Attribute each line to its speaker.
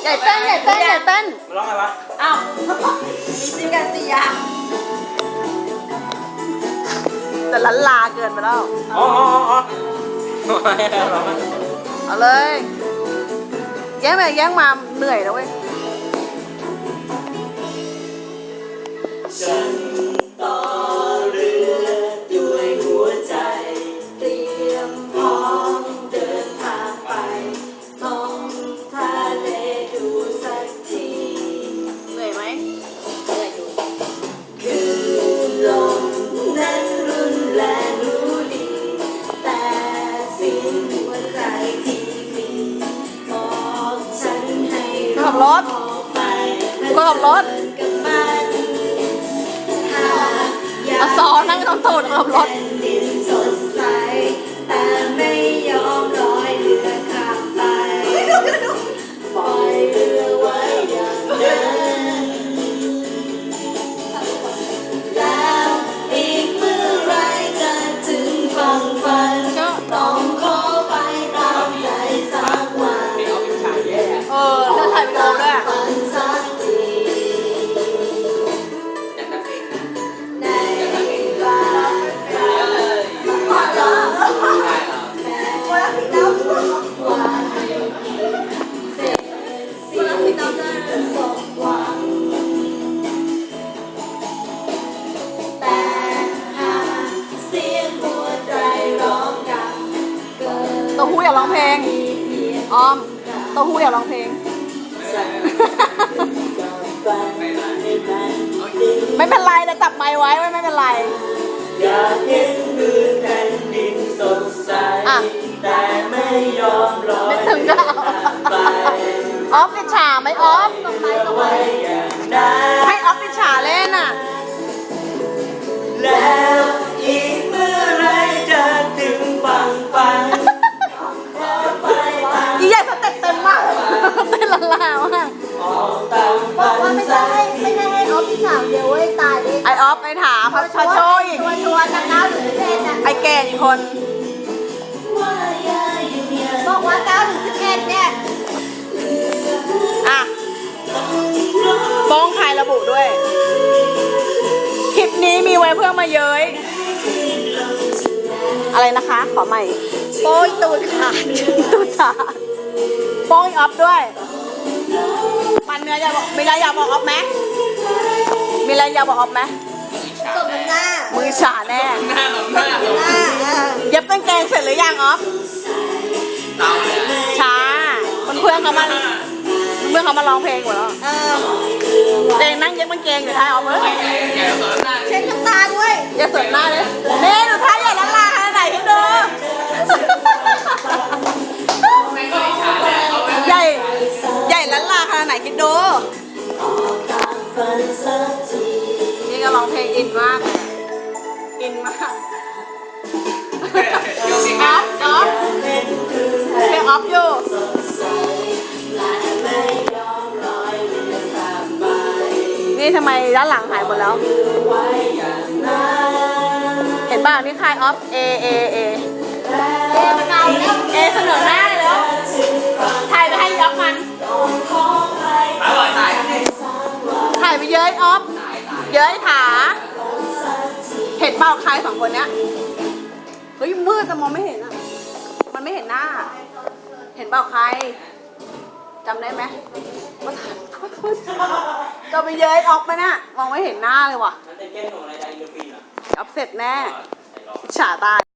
Speaker 1: ใหญ่เต้นใหญ่เต้นใหญ่เต้น
Speaker 2: มันร้องไงวะ
Speaker 1: อ้าวมีจริงกันสิอ่ะแต่ลันลาเกินไปแล้ว
Speaker 2: อ๋อร้องไง
Speaker 1: เอาเลยแย่งไปแย่งมาเหนื่อยแล้วเว้ย
Speaker 3: ฉันต่อเรือด้วยหัวใจเตรียมพร้อมเดินทางไปมองทะเลดูสักที
Speaker 1: เหนื่อยไหม
Speaker 3: เหนื่อยอยู่คือลมนั้นรุนแรงรู้ดีแต่สิ่งหัวใจที่มีบอกฉันให้ออกไปกับมัน
Speaker 1: เอาซ้อนนั่งต้องตูดขับรถ
Speaker 3: ดินสดใสแต่ไม่ยอมลอยเรือข้ามไปปล่อยเรือไว้อย่างนั้นแล้วอีกเมื่อไรจะถึงฝั่งฝันต้องขอไปตามใจสักวัน
Speaker 1: เลือกถ่ายวิดีโอด้วย
Speaker 3: ฝันสักทีในเวลาว่าเสร็จสิ่งที่สมหวังแต่หากเสียงหัวใจร้องดังเกิน
Speaker 1: เต้าหู้อยากร้องเพลงออมเต้าหู้อยากร้องเพลงไม่เป็นไรแต่จับไมค์ไว้ไม่เป็นไร
Speaker 3: อยากเห็นมือแผ่นดินสดใสแต่ไม่ยอมลอย
Speaker 1: ไม่ถึงก็เอา
Speaker 3: ไป
Speaker 1: ออฟติดฉาไหมออฟ
Speaker 3: ไว้อย่างนั้น
Speaker 1: ให้ออฟติดฉาเล่นอ่ะ
Speaker 3: แล้วอีกเมื่อไรจะถึงฝั่งฝันขอไปตาม
Speaker 1: อีใหญ่สเต็ปเต็มมากเต้นละลามาก
Speaker 3: ออกตามฝันสักที
Speaker 4: ไม่ได้ให้ออฟที่สามเดียวเว้ยตายเลย
Speaker 1: ไอออฟไอถาพัชโชยอีก
Speaker 4: ชัวร์จาก9ถึง11น่ะ
Speaker 1: ไอเกดอีกคน
Speaker 3: ว่าอย่าอยู่อย่าง
Speaker 4: บอกว่า9ถึง11เนี่ย
Speaker 1: อ่ะโป้งใครระบุด้วย คลิปนี้มีไว้เพื่อมาเย้ยอะไรนะคะ ขอใหม่
Speaker 4: โป้ยตูดขาด
Speaker 1: ตูดขาโป้งออฟด้วยมันมีอะไรอยากบอกมีอะไรอยากบอกออฟไหมมีอะไรอยากบอกออฟไหม
Speaker 4: ตบหน้า
Speaker 1: มือฉาแน่
Speaker 4: หน้า
Speaker 1: เย็บกางเกงเสร็จหรือยังออฟช้าเพื่อนเขามาร้องเพลงหมดแล้วเจงนั่งเย็บกางเกงอยู่ท้ายออฟเลย
Speaker 4: เช็ดน้ำตาด้วย
Speaker 1: อย่าเสิร์ฟหน้าเลยเน่หนูท้ายใหญ่ละลาขนาดไหนให้ดูใหญ่ละลาขนาดไหนคิดดู
Speaker 3: ตามฝันสักที
Speaker 1: นี่ก็ร้องเพลงอินมากเลยอินมากออฟเพลงออฟอยู่
Speaker 3: สดใสและไม่ยอมลอยเรือข้ามไป
Speaker 1: นี่ทำไมด้านหลังหายหมดแล้ว
Speaker 3: ไว้อย่างนั้น
Speaker 1: เห็นป่ะนี่ค่ายออฟเอเสนอหน้าเลยแล้วถ่ายไปให้ยอฟมันถ่ายไปเย้ยออฟเย้ยถาเห็นเปล่าใครสองคนเนี้ยเฮ้ยมืดแต่มองไม่เห็นอ่ะมันไม่เห็นหน้า เห็นเปล่าใครจำได้ไหมว่าจะไปเย้ยออฟไหมน่ะมองไม่เห็นหน้าเลยว่ะออฟเสร็จแน่ฉาตาย